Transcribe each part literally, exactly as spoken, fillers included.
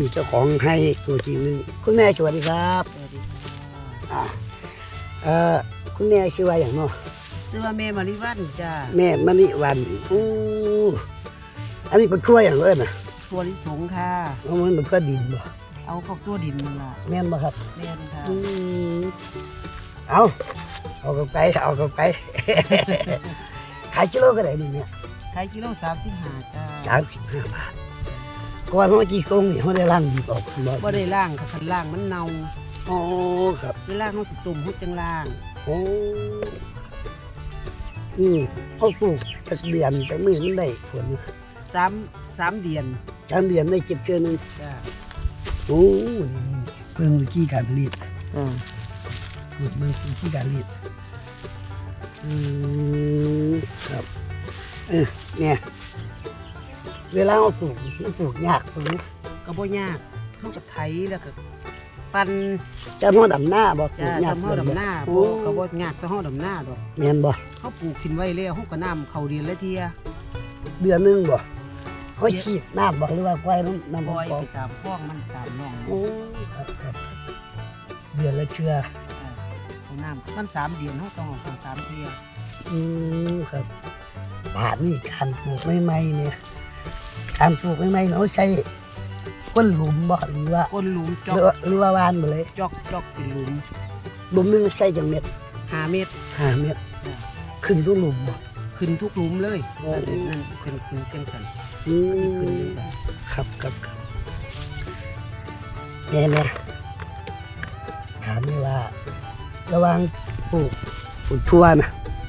นี่เจ้าของให้ตัวจริงนึงคุณแม่สวัสดีครับสวัสดีค่ะอ่าเอ่อคุณแม่ชื่อว่าอย่างเนาะชื่อว่าแม่มาริวันจ้าแม่มณีวันอู้อันนี้เป็นกล้วยอย่างเอิ้นน่ะตัวลิสงค่ะเอามันเป็นกล้วยดินบ่เอาเข้าตัวดินนั่นล่ะแม่นบ่ครับแม่นค่ะอืมเอาเอากลับไปเอากลับไป ขายกิโลก็ได้นี่เนี่ยขายกิโลสามสิบห้าจ้าสามสิบห้าบาทก่อนเมื่อกี้กงนี่เขาได้ล่างดีออกบ่บ่ได้ล่างค่ะคันล่างมันเน่าโอ้ครับเวลาเขาสิตุ่มเขาจังล่างโอ้อืมเขาปลูกจากเดือนจากมือมันได้ผลสามสามเดือนจากเดือนได้เก็บเชือนึงจ้าโอ้นี่เพิ่งวิธีการผลิตอ่าเพิ่งวิธีการผลิตอืมครับเออเนี่ยเวลาเราปลูกมันปลูกยากตรงนี้ก็บ่ยากเขาก็ไถแล้วก็ปั่นจะพ่อดำหน้าบ่ปลูจ้ากยากทำเฮาดำหน้าโอ้บ่ก็บ่ยากแต่เฮาดำหน้าดอกแม่นบ่เขาปลูกทิ้งไว้แล้วเขาก็น้ำเข้าดินแล้วเทียเดือนหนึงบ่เขาฉีดน้ำบ่หรือว่าควายน้ำน้ำปล่อยปอไปตามคลองมันตามหนองโอ้ครับครับเดือนละเชืออ่าเอาน้ำมันสามเดือนเขาต้องเอาสองสามเทียอืมครับบาทนี่การปลูกใหม่ๆเนี่ยการปลูกใหม่ๆเขาใช้ก้นหลุมบ่หรือว่าก้นหลุมจหอรือก ว่าหรือว่าวานหมดเลยจอกจอกเป็นหลุมหลุมหนึงใส่จังเม็ดห้าเมตรห้าเม็ดขึ้นทุกหลุมบ่ขึ้นทุกหลุมเลยโอ้นั่นนั่นขึ้นขึ้นจังสันอืขึ้นมจังสันครับครับครับแม่แม่ถามเลยว่า ระหว่างปลูกปลูกทั่วนะ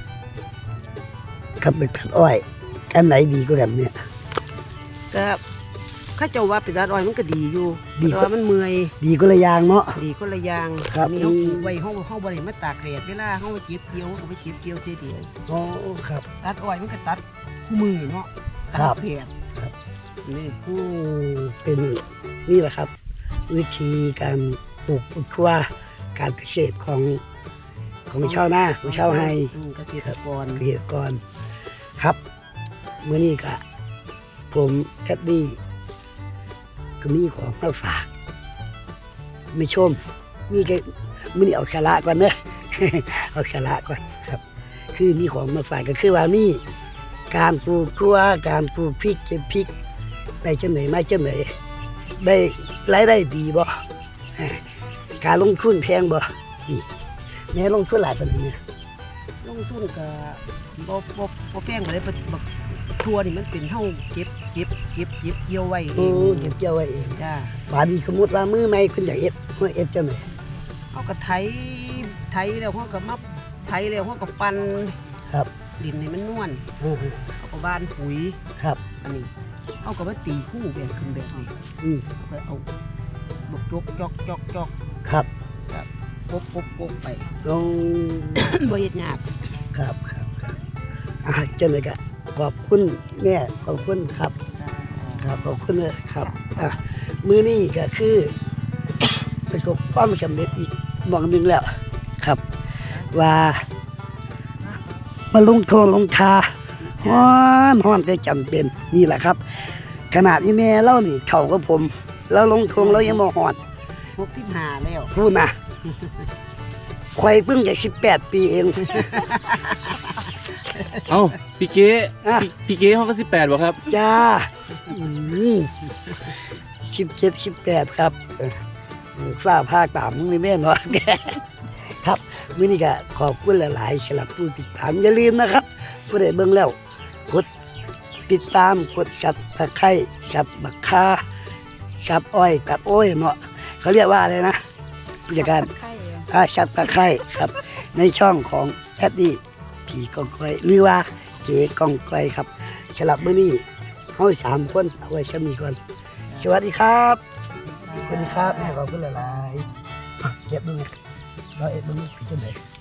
กับไปตัดอ้อยอันไหนดีกว่ากันเนี่ยก็ข้าเจ้าว่าเป็นดาดอ้อยมันก็ดีอยู่ดีแต่กว่าว่ามันเมื่อยดีก็ละอยางเนาะดีคนละอย่างครับอันนี่เขาปลูกไว้เขาเขาบริมาตากแดดเวลาเขาไปเก็บเกี่ยวเขาไปเก็บเกี่ยวเทีเดียวโอ้ครับตัดอ้อยมันก็ตัดคู่มือเนาะตัดครับแผดครับนี่อืมเป็นนี่แหละครับ วิธีการปลูกปลูกทั่วการเกษตรของของชาวนาของชาวไฮอืมเกษตรกรเกษตรกรครับเมื่อนี้ก็ผมแอดดี้ก็มีของมาฝาก ไม่ชม มีแค่มื่อนี้เอาชาระก่อนเนอะ เอาชาระก่อนครับ คือมีของมาฝากก็คือว่านี่การปลูกทั่วการปลูกพริกเก็บพริกได้จังไหนมาจังไหนได้รายได้ดีบ่อ่าการลงทุนแพงบ่นี่แม่ลงทุนหลายปานนี้เนี่ยลงทุนก็บ่บ่บ่แพงบ่ได้บักบักทั่วนี่มันเป็นเฮาเก็บเก็บเก็บเก็บเกี่ยวไว้เอโอ้งเก็บเกี่ยวไว้เองจ้าบาดนี้สมมุติว่ามือใหม่เพิ่นอยากเอ็ดเพิ่นเอ็ดจังไหนเอาก็ไถไถแล้วเขาก็มาไถแล้วเขาก็ปั่นครับดินให้มันนวลอือฮึเขาก็บ้านปุ๋ยครับอันนี้เอาก็มาตีคู่แบบขึ้นแบบนี้อืมเอาก็เอาบกจกจอกจอกจอกครับปบปบปบไปลงบ่เฮ็ดยากครับครับครับอ่าจังไดก็ขอบคุณแม่ขอบคุณครับ ครับขอบคุณเลยครับอ่ะมือนี้ก็คือ ประสบความสำเร็จอีกหมองหนึ่งแล้วครับ ว่ามาลงโทนลงทาฮ้อนฮ้อนก็จำเป็นนี่แหละครับ ขนาดที่แม่เล่านี่เข่ากับผมแล้วลงทงเรายังมาหอดหกสิบห้าแล้วพูดนะควายเพิ่งจะสิบแปดปีเองเอ้าพี่เก๋อ่ะพี่พี่เก๋เขาก็สิบแปดบ่ครับจ้าสิบเจ็ดสิบแปดครับเออฝ้าผ้าตามมึงไม่แม่นวะ ครับมื้อนี้ก็ขอบคุณหลายๆสำหรับผู้ติดตามอย่าลืมนะครับผู้ใดเบิ่งแล้วกดติดตามกดสับตะไคร้สับบักคาสับอ้อยตัดอ้อยเนาะเขาเรียกว่าอะไรนะผู้จัดการอ่าสับตะไคร้ครับ ในช่องของแอดดี้ผีกองก้อยหรือว่าเก๋กองก้อยครับสำหรับมื้อนี้เฮาสามคนเอาไว้ซะมีก่อนสวัสดีครับสวัสดีครับแม่ขอบคุณหลายๆอ่ะเก็บดูนะร้อยเอ็ดดูนี่เป็นจังได